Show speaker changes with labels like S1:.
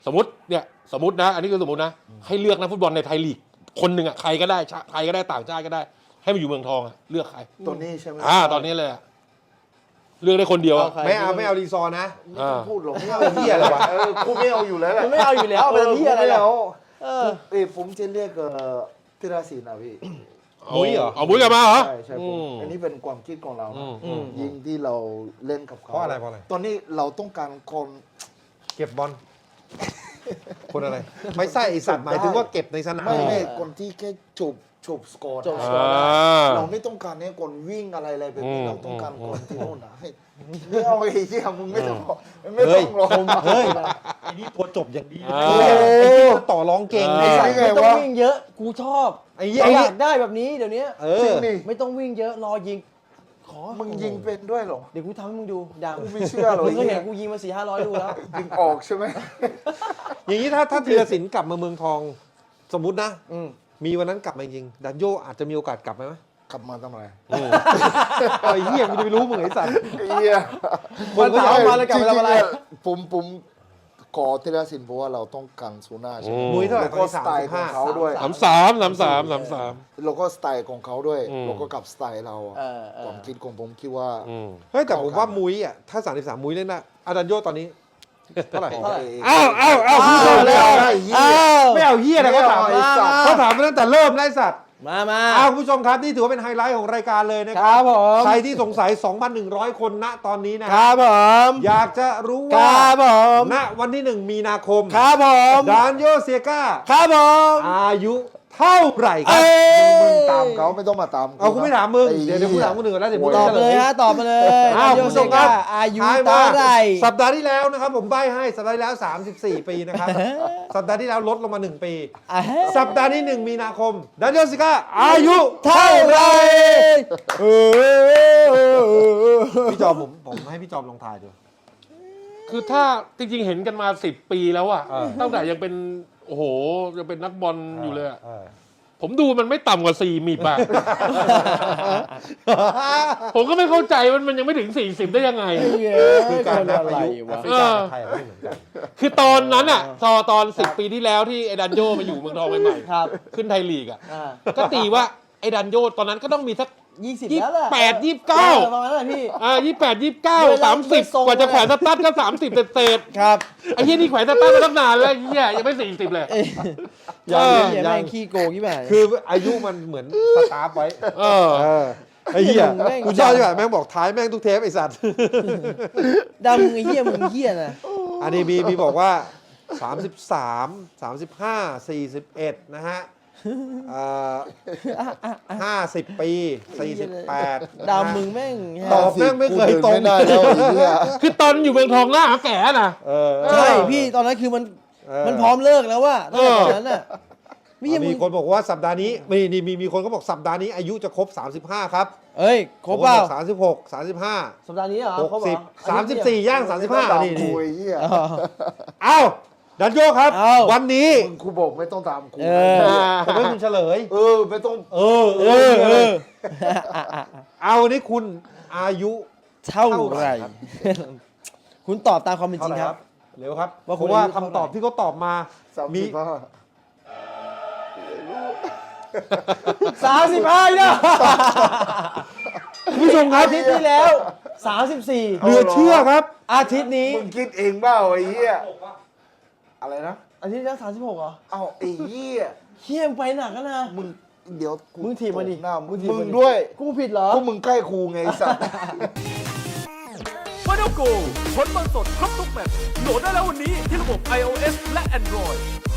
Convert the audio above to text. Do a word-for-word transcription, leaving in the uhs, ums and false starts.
S1: สมมติเนี่ยสมมตินะอันนี้คือสมมตินะให้เลือกนักฟุตบอลในไทยลีกคนหนึ่งอ่ะใครก็ได้ไทยก็ได้ต่างชาติก็ได้ ให้มาอยู่เมืองทองอ่ะเลือกใคร
S2: ตัวนี้ใช่ไหม
S1: อ่าตอนนี้เลยเลือกได้คนเดียว
S3: ไม่เอาไม่เอารีซอร์นะ
S2: ไม่ต้องพูดหรอกไม่เอา
S3: เหี้ยอะไรวะ
S2: กูไม่เอาอยู่แล้วแหละ
S4: ไม่เอาอยู่แล้วเป็นที่อะไรแล้วเออ
S2: เอ้ผมจะเรียกธีรศิลป์นะพี่
S1: มุ้ยเหรอเอามุ้ยกลับมาเหรอ
S2: ใช่ใช่ผมอันนี้เป็นความคิดของเรายิงที่เราเล่นกับเขา
S3: เพราะอะไรเพราะอะไร
S2: ตอนนี้เราต้องการคน
S3: เก็บบอลคนอะไรไม่ใช่ไอสัตว์หมายถึงว่าเก็บในสนาม
S2: ไม่ไม่คนที่แค่จูบจูบสกอร์เราไม่ต้องการเนี่ยคนวิ่งอะไรอะไรแบบนี้เราต้องการคนที่โน่นนะให้ไม่เอาไอ้ที่มึงไม่ต้องไม่ต้องรอ
S3: เฮ้ยไอ้นี่ตัวจบอย่างดีไอ้ที่ต่อรองเก่งไอ้สัตว์
S4: ไม่ต้องวิ่งเยอะกูชอบ
S3: ไอ้
S4: อยากได้แบบนี้เดี๋ยวนี้
S2: จริงดิ
S4: ไม่ต้องวิ่งเยอะรอยิงขอ
S2: มึงยิงเป็นด้วยหรอ
S4: เดี๋ยวกูทำให้มึงดูดัง
S2: กูไม่เชื่อหรอก
S4: มึงก็เห็นกูยิงมาสี่ห้าร้อยดูแล้ว
S2: ยิงออกใช่ไหม
S3: อย่างนี้ถ้าถ้าธีรศิลป์กลับมาเมืองทองสมมุตินะมีวันนั้นกลับมาจริงดันโยอาจจะมีโอกาสกลับไหม
S2: กลับมาทำไม
S3: ไอ้เหี้ยกูจะไปรู้มึงไอ้สัตว์
S2: ไอ้เหี้ย
S4: คนก็เอามาแล้วกลับมาทำอะไร
S2: ผมผมขอธีรศิลป์เพราะว่าเราต้องการซูน่าใช่ไหม
S3: มุ้ยเท่าไหร่
S2: ก็สไตล์ของเขาด้วย
S1: สามสามสามสามสามสาม
S2: แล้วก็สไตล์ของเขาด้วยแล้วก็กับสไตล์เราความคิดของผมคิดว่า
S3: เฮ้ยแต่ผมว่ามุ้ยอ่ะถ้าสามสิบสามมุ้ยเล่นนะอาดันโยตอนนี้เท่าไหร่
S1: อ้าวอ้าวอ้าว
S3: พี่ชมแล้วไม่เอาเหี้ยนะเขาถามเขาถามมาตั้งแต่เริ่มไล่สัตว์
S4: มามา
S3: อ้าวคุณผู้ชมครับนี่ถือว่าเป็นไฮไลท์ของรายการเลยนะครับใครที่สงสัย สองพันหนึ่งร้อย คนณตอนนี้นะครับ
S4: ผม
S3: อยากจะรู้
S4: ว่าครับผม
S3: ณวันที่หนึ่งมีนาคม
S4: ครับผม
S3: ดานโยเซียก้า
S4: ครับผม
S3: อายุเท่าไหร่ครับ
S2: มึงตามเขาไม่ต้องมาตาม
S3: เอากูไม่ถามมึงเดี๋ยวเดี๋ยวกูถามคนอื่นแล้วเดี๋ยวมึง
S4: ตอบเลยฮะตอบมาเลย
S3: อ้าวคุณผู้ชมครับ
S4: อายุเท่าไหร่
S3: สัปดาห์ที่แล้วนะครับผมใบ้ให้สัปดาห์ที่แล้วสามสิบสี่ปีนะครับสัปดาห์ที่แล้วลดลงมาหนึ่งปีสัปดาห์นี้หนึ่งมีนาคมดานโยเซียก้าอายุ
S4: เท่าไหร่
S3: พี่จอมผมผมให้พี่จอมลองทายดู
S1: คือถ้าจริงๆเห็นกันมาสิบปีแล้วอะตั้งแต่ยังเป็นโอ้โหยังเป็นนักบอลอยู่เลยผมดูมันไม่ต่ำกว่าสี่มิบอะผมก็ไม่เข้าใจมันมันยังไม่ถึงสี่สิบได้ยังไง
S3: คือการนับอายุแอฟริกากับไทยไม่เหมือนกัน
S1: คือตอนนั้นอะตอนตอนสิบปีที่แล้วที่ไอ้ดันโยมาอยู่เมืองทองใหม่ๆขึ้นไทยลีกอะก็ตีว่าไอ้ดันโยตอนนั้นก็ต้องมีสัก
S4: ยี่สิบแล้วแหละ
S1: แปดยี่สิบเก้า
S4: ประมาณนั้นพี่
S1: อ่ายี่สิบแปดยี่สิบเก้าสามสิบกว่าจะแขวนสตั๊ดก็สามสิบเศษ
S4: ครับ
S1: ไอ้เหี้ยนี่แขวนสตั๊ดมาตั้งนานแล้วไอ้เหี้ยยังไม่สี่สิบเลย
S4: ยังยังแม่งขี้โกงกี่แบบ
S3: คืออายุมันเหมือนสตาร์ฟไว้
S1: เออ
S3: ไอ้เหี้ยกูชอบจังแม่งบอกท้ายแม่งทุกเทปไอ้สัตว์
S4: ดำไอ้เหี้ยมึงเหี้ยนะ
S3: อันนี้มีมีบอกว่าสามสิบสาม สามสิบห้า สี่สิบเอ็ดนะฮะห้าสิบปีสี่สิบแปด
S4: ดาวมึงแม่ง
S3: ตอบแม่งไม่เคยตรง
S2: ได้แล้ว
S1: คือตอนอยู่เมืองทองหน้าแก่น่ะ
S4: ใช่พี่ตอนนั้นคือมันมันพร้อมเลิกแล้วว่าตอนนั้นน่ะ
S3: มีคนบอกว่าสัปดาห์นี้มีนี่มีมีคนก็บอกสัปดาห์นี้อายุจะครบสามสิบห้าครับ
S4: เอ้ยครบเปล่า
S3: สามสิบหก สามสิบห้า
S4: สัปดาห์นี้เหรอ
S3: หกสิบ สามสิบสี่ย่างสามสิบห้านี่
S2: นี่
S3: เอ้าดันโยครับวันนี้
S2: ครูบอกไม่ต้องตามครู
S3: ผมให้คุณเฉลย
S2: เออไม่ต้อง
S3: เออเออเออเอาวันนี้คุณอายุ
S4: เท่าไหร่คุณตอบตามความเป็นจริงครับ
S3: เร็วครับเพราะว่าคำตอบที่เขาตอบมามี
S4: สามสิบห้าเนี่ย
S3: ผู้ชมครับ
S4: อาทิตย์ที่แล้วสามสิบสี่
S3: เหลือเชื่อครับ
S4: อาทิตย์นี้
S2: มึงคิดเองเปล่าไอ้เหี้ยอะไรนะ
S4: อาทิตย์แล้วสามสิบหกเหรอ
S2: เอ้าไอ้เหี้ย
S4: เหี้ยไปหนักนะ
S2: มึงเดี๋ยว
S4: มึงถีบมาดิ
S2: หน้ามึงมึงด้วย
S4: กูผิดเหรอ
S2: พวกมึงใกล้ครูไงสัตว์
S5: ฟาโนโกผลบอลสดครบทุกแมตช์โหลดได้แล้ววันนี้ที่ระบบ ไอ โอ เอส และ Android